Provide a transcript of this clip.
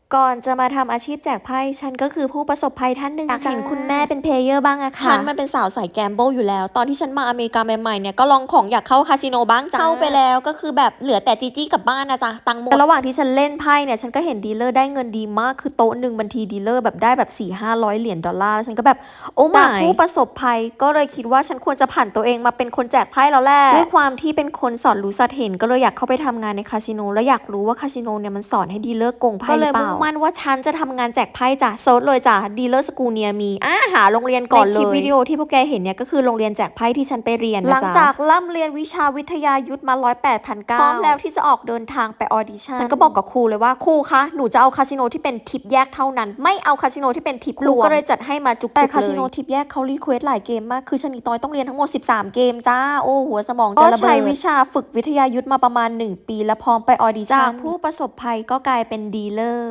ก่อนจะมาทำอาชีพแจกไพ่ฉันก็คือผู้ประสบภัยท่านหนึ่งอยากเห็นคุณแม่เป็นเพลเยอร์บ้างอะค่ะฉันมันเป็นสาวสายแกมเบิลอยู่แล้วตอนที่ฉันมาอเมริกาใหม่ๆเนี่ยก็ลองของอยากเข้าคาสิโนบ้างจ้าเข้าไปแล้วก็คือแบบเหลือแต่จีจี้กลับบ้านนะจ๊ะตังค์หมดแต่ระหว่างที่ฉันเล่นไพ่เนี่ยฉันก็เห็นดีลเลอร์ได้เงินดีมากคือโต๊ะหนึ่งบัญชีดีลเลอร์แบบได้แบบ400-500 เหรียญดอลลาร์ฉันก็แบบโอ้myผู้ประสบภัยก็เลยคิดว่าฉันควรจะผันตัวเองมาเป็นคนแจกไพ่แล้วแหละด้วยความที่เป็นคนสอนรู้สัตเห็นก็เลยอยากเข้าไปทำงานในคาสิโนแล้วอยากรู้ว่าคาสิโนเนี่ยมันสอนให้ดีลเลอร์โกงไพ่หรือเปล่าก็เลยมุ่งมั่นว่าฉันจะทำงานแจกไพ่จ้ะเซิร์ชเลยจ้ะดีลเลอร์สกูเนียมีหาโรงเรียนก่อนเลยในคลิปวิดีโอที่พวกแกเห็นเนี่ยก็คือโรงเรียนแจกไพ่ที่ฉันไปเรียนนะจ๊ะหลังจากล่ำเรียนวิชาวิทยายุทธมา108,900พร้อมแล้วที่จะออกเดินทางไปออดิชั่นมันก็บอกกับครูเลยว่าครูคะหนูจะเอาคาสิโนที่เป็นทิปแยกเท่านั้นไม่เอาคาสิโนที่เป็นทิปรวมก็เลยจัดให้มาจุกๆเลยแต่คาสิโนทิปแยกเขารีเควสหลายเกมมากคือชนิดน้อยต้องเรียนทั้งหมด13เกมจ้าโอ้หัวสมองจะระเบิดก็ใช้วิชาฝึกวิทยายุทธมาประมาณ1 ปีแล้วพร้อมไปออดิชั่นจากผู้ประสบภัยก็กลายเป็นดีลเลอร์